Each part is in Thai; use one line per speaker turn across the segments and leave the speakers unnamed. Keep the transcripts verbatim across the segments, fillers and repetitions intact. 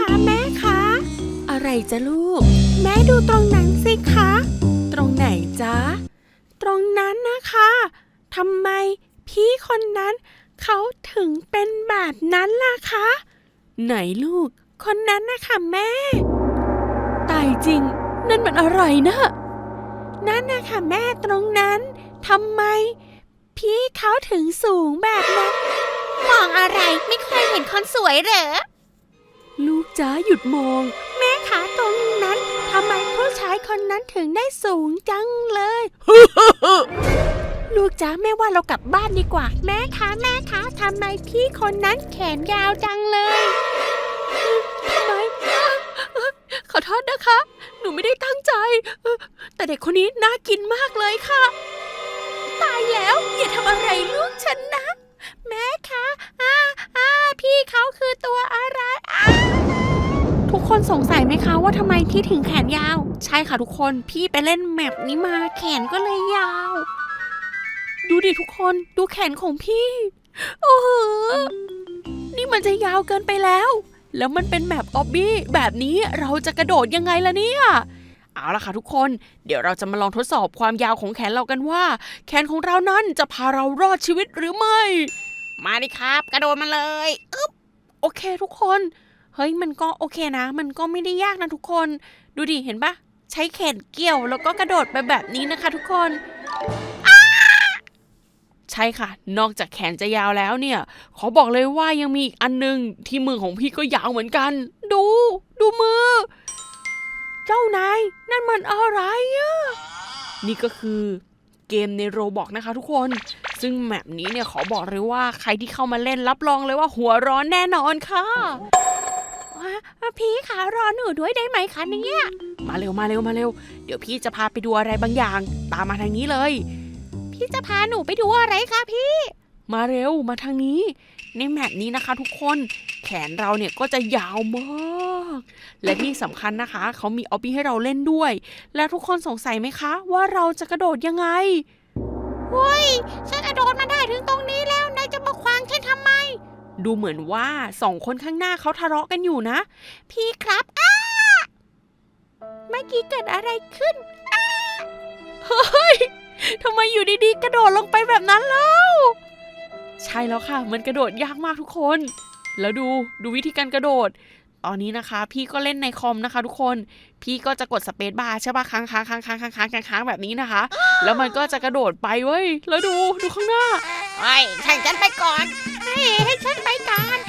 คะแม่คะอะไรจ๊ะลูกแม่ดูตรงนั้นสิคะตรงไหนจ๊ะตรงนั้นนะคะทำไมพี่คนนั้นเขาถึงเป็นแบบนั้นล่ะคะไหนลูกคนนั้นนะคะแม่ตายจริงนั่นมันอะไรนะนั่นนะคะแม่ตรงนั้นทำไมพี่เขาถึงสูงแบบนั้นมองอะไรไม่เคยเห็นคนสวยเหรอลูกจ๋าหยุดมองแม่คะตรงนั้นทำไมผู้ชายคนนั้นถึงได้สูงจังเลย ลูกจ๋าแม่ว่าเรากลับบ้านดีกว่าแม่คะแม่คะทำไมพี่คนนั้นแขนยาวจังเลยทำไมขอโทษนะคะหนูไม่ได้ตั้งใจแต่เด็กคนนี้น่ากินมากเลยค่ะตายแล้วอย่าทำอะไรลูกฉันนะแม่คะอ่าอ่าพี่เขาคือตัวอะไรอ่าทุกคนสงสัยไหมคะว่าทำไมพี่ถึงแขนยาวใช่ค่ะทุกคนพี่ไปเล่นแมปนี้มาแขนก็เลยยาวดูดิทุกคนดูแขนของพี่โอ้โหนี่มันจะยาวเกินไปแล้วแล้วมันเป็นแมปออบบี้แบบนี้เราจะกระโดดยังไงล่ะเนี่ยเอาล่ะค่ะทุกคนเดี๋ยวเราจะมาลองทดสอบความยาวของแขนเรากันว่าแขนของเรานั้นจะพาเรารอดชีวิตหรือไม่มาดิครับกระโดดมาเลยอึ๊บโอเคทุกคนเฮ้ยมันก็โอเคนะมันก็ไม่ได้ยากนะทุกคนดูดิเห็นปะใช้แขนเกี่ยวแล้วก็กระโดดไปแบบนี้นะคะทุกคนใช่ค่ะนอกจากแขนจะยาวแล้วเนี่ยขอบอกเลยว่ายังมีอีกอันนึงที่มือของพี่ก็ยาวเหมือนกันดูดูมือเจ้านายนั่นมันอะไรอะนี่ก็คือเกมในโรบล็อกนะคะทุกคนซึ่งแมปนี้เนี่ยขอบอกเลยว่าใครที่เข้ามาเล่นรับรองเลยว่าหัวร้อนแน่นอนค่ะพี่คะรอหนูด้วยได้ไหมคะเนี่ยมาเร็วมาเร็วมาเร็วเดี๋ยวพี่จะพาไปดูอะไรบางอย่างตามมาทางนี้เลยพี่จะพาหนูไปดูอะไรคะพี่มาเร็วมาทางนี้ในแมปนี้นะคะทุกคนแขนเราเนี่ยก็จะยาวมากและที่สำคัญนะคะเขามีออบบี้ให้เราเล่นด้วยและทุกคนสงสัยไหมคะว่าเราจะกระโดดยังไงเฮ้ยฉันกระโดดมาได้ถึงตรงนี้แล้วนายจะมาขวางฉันทำไมดูเหมือนว่าสองคนข้างหน้าเขาทะเลาะกันอยู่นะพี่ครับอ้าเมื่อกี้เกิดอะไรขึ้นอ้าเฮ้ยทำไมอยู่ดีๆกระโดดลงไปแบบนั้นเล่าใช่แล้วค่ะมันกระโดดยากมากทุกคนแล้วดูดูวิธีการกระโดดตอนนี้นะคะพี่ก็เล่นในคอมนะคะทุกคนพี่ก็จะกดสเปซบาร์ใช่ป่ะค้างค้างค้างค้างค้างค้างค้างแบบนี้นะคะแล้วมันก็จะกระโดดไปเว้ยแล้วดูดูข้างหน้าไอ้ให้ฉันไปก่อนให้ให้ฉันไปก่อน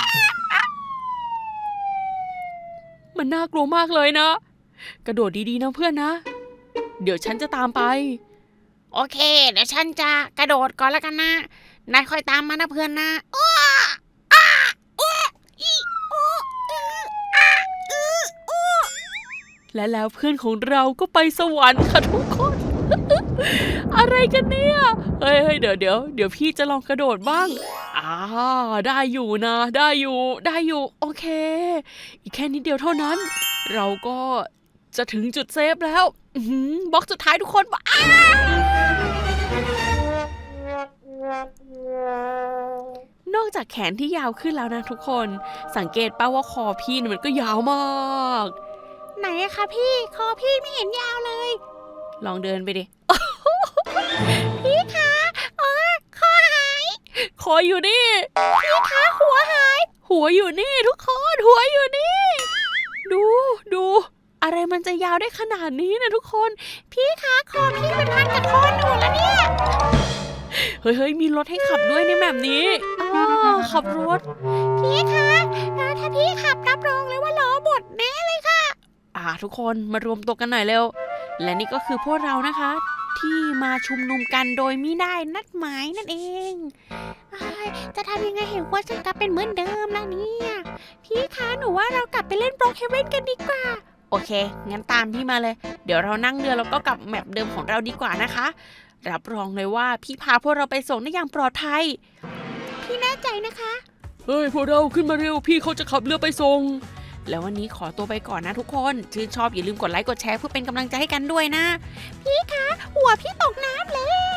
มันน่ากลัวมากเลยนะกระโดดดีๆนะเพื่อนนะเดี๋ยวฉันจะตามไปโอเคเดี๋ยวฉันจะกระโดดก่อนแล้วกันนะนายคอยตามมานะเพื่อนนะอ้ออ้าอ้ออีอ้ออืออ้าอืออ้อและแล้วเพื่อนของเราก็ไปสวรรค์ค่ะทุกคน อะไรกันเนี่ยเฮ้ยเดี๋ยวเดี๋ยวเดี๋ยวพี่จะลองกระโดดบ้างอ่าได้อยู่นะได้อยู่ได้อยู่โอเคอีกแค่นิดเดียวเท่านั้นเราก็จะถึงจุดเซฟแล้วบล็อกสุดท้ายทุกคนบอกอ้านอกจากแขนที่ยาวขึ้นแล้วนะทุกคนสังเกตป่ะว่าคอพี่มันก็ยาวมากไหนอะคะพี่คอพี่ไม่เห็นยาวเลยลองเดินไปดิ พี่คะอ๋อคอหายคออยู่นี่พี่คะหัวหายหัวอยู่นี่ทุกคนหัวอยู่นี่ดูดูอะไรมันจะยาวได้ขนาดนี้นะทุกคนพี่คะคอพี่เป็นพันกับคอหนูแล้วเนี่ยเฮ้ยเฮ้ยมีรถให้ขับด้วยในแบบนี้อ๋อขับรถพี่คะถ้าพี่ขับรับรองเลยว่าล้อบดแน่เลยค่ะอ่าทุกคนมารวมตัวกันหน่อยเร็วและนี่ก็คือพวกเรานะคะที่มาชุมนุมกันโดยมิได้นัดหมายนั่นเองจะทำยังไงเห็นว่าฉันกลับเป็นเหมือนเดิมแล้วเนี่ยพี่คะหนูว่าเรากลับไปเล่นโปรเคเว่นกันดีกว่าโอเคงั้นตามพี่มาเลยเดี๋ยวเรานั่งเรือแล้วก็กลับแมปเดิมของเราดีกว่านะคะรับรองเลยว่าพี่พาพวกเราไปส่งได้อย่างปลอดภัยพี่แน่ใจนะคะเฮ้ยพวกเราขึ้นมาเร็วพี่เขาจะขับเรือไปส่งแล้ววันนี้ขอตัวไปก่อนนะทุกคนชื่นชอบอย่าลืมกดไลค์กดแชร์เพื่อเป็นกำลังใจให้กันด้วยนะพี่คะหัวพี่ตกน้ำแล้ว